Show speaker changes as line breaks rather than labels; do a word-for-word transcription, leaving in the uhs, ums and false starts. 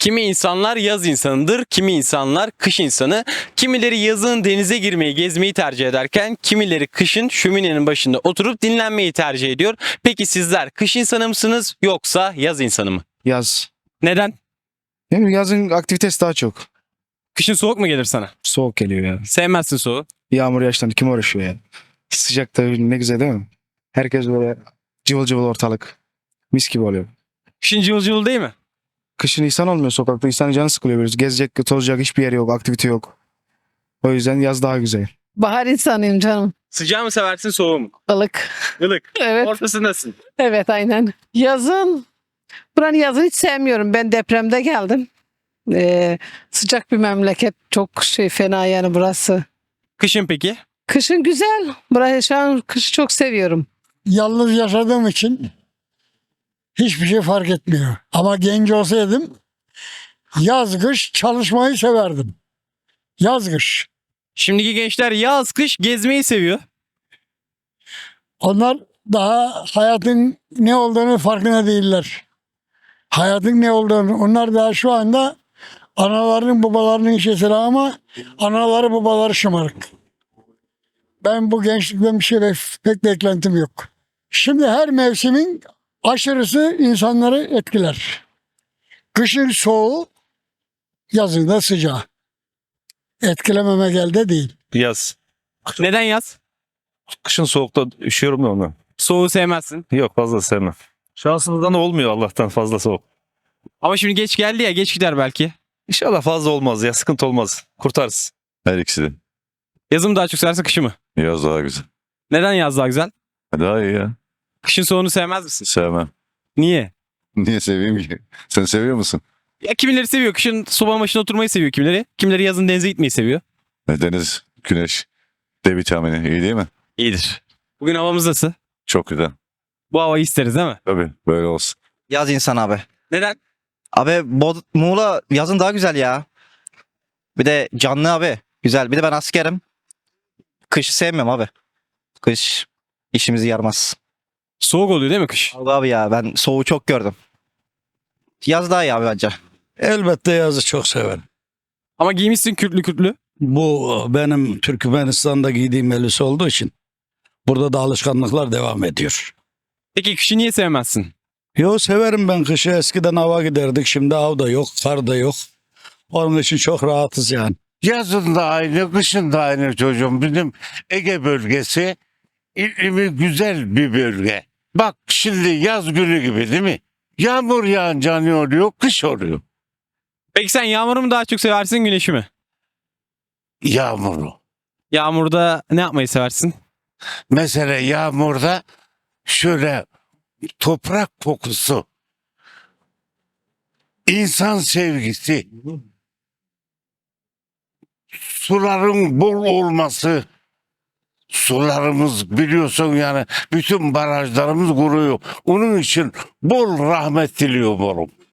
Kimi insanlar yaz insanıdır, kimi insanlar kış insanı. Kimileri yazın denize girmeyi, gezmeyi tercih ederken kimileri kışın şöminenin başında oturup dinlenmeyi tercih ediyor. Peki sizler kış insanı mısınız yoksa yaz insanı mı?
Yaz.
Neden?
Ne bileyim, yazın aktivitesi daha çok.
Kışın soğuk mu gelir sana?
Soğuk geliyor ya.
Sevmezsin soğuğu.
Yağmur yağıştan kim uğraşıyor ya? Sıcakta ne güzel değil mi? Herkes böyle cıvıl cıvıl ortalık. Mis gibi oluyor.
Kışın cıvıl cıvıl değil mi?
Kışın insan olmuyor sokakta. İnsanın canı sıkılıyor böyle. Gezecek, tozacak hiçbir yer yok. Aktivite yok. O yüzden yaz daha güzel.
Bahar insanıyım canım.
Sıcağı mı seversin soğuğu mu?
Ilık.
Ilık.
Evet.
Ortasındasın.
Evet aynen. Yazın. Buranın yazını hiç sevmiyorum. Ben depremde geldim. Ee, sıcak bir memleket. Çok şey fena yani burası.
Kışın peki?
Kışın güzel. Burayı şu an kışı çok seviyorum.
Yalnız yaşadığım için hiçbir şey fark etmiyor. Ama genç olsaydım yaz kış çalışmayı severdim. Yaz kış.
Şimdiki gençler yaz kış gezmeyi seviyor.
Onlar daha hayatın ne olduğunu farkında değiller. Hayatın ne olduğunu. Onlar daha şu anda analarının babalarının işesi ama anaları babaları şımarık. Ben bu gençlikten bir şey bek- pek beklentim yok. Şimdi her mevsimin aşırısı insanları etkiler. Kışın soğuğu, yazın da sıcağı. Etkilememe elde değil.
Yaz.
Neden yaz?
Kışın soğukta üşüyorum da onu.
Soğuğu sevmezsin.
Yok fazla sevmem. Şansımızdan olmuyor Allah'tan fazla soğuk.
Ama şimdi geç geldi ya, geç gider belki.
İnşallah fazla olmaz ya, sıkıntı olmaz. Kurtarız.
Her ikisi de.
Yazı mı daha çok seversin, kışı mı?
Yaz daha güzel.
Neden yaz daha güzel?
Daha iyi ya.
Kışın soğuğunu sevmez misin?
Sevmem.
Niye?
Niye seveyim ki? Sen seviyor musun?
Ya kimileri seviyor. Kışın sobanın başına oturmayı seviyor kimileri. Kimileri yazın denize gitmeyi seviyor.
E, Deniz, güneş, D vitamini iyi değil mi?
İyidir. Bugün havamız nasıl?
Çok güzel.
Bu havayı isteriz değil mi?
Tabii böyle olsun.
Yaz insan abi.
Neden?
Abi Bod Muğla yazın daha güzel ya. Bir de canlı abi. Güzel. Bir de ben askerim. Kışı sevmiyorum abi. Kış işimizi yarmaz.
Soğuk oluyor değil mi kış?
Abi, abi ya ben soğuğu çok gördüm. Yaz daha iyi abi bence.
Elbette yazı çok severim.
Ama giymişsin kürklü kürklü.
Bu benim Türkmenistan'da giydiğim elbise olduğu için burada da alışkanlıklar devam ediyor.
Peki kışı niye sevmezsin?
Yo, severim ben kışı. Eskiden hava giderdik. Şimdi av da yok, kar da yok. Onun için çok rahatız yani.
Yazın da aynı, kışın da aynı çocuğum. Bizim Ege bölgesi iklimi güzel bir bölge. Bak şimdi yaz günü gibi değil mi? Yağmur yağınca ne oluyor? Kış oluyor.
Peki sen yağmuru mu daha çok seversin, güneşi mi?
Yağmuru.
Yağmurda ne yapmayı seversin?
Mesela yağmurda şöyle toprak kokusu, insan sevgisi, suların bol olması, sularımız biliyorsun yani bütün barajlarımız kuruyor. Onun için bol rahmet diliyorum oğlum.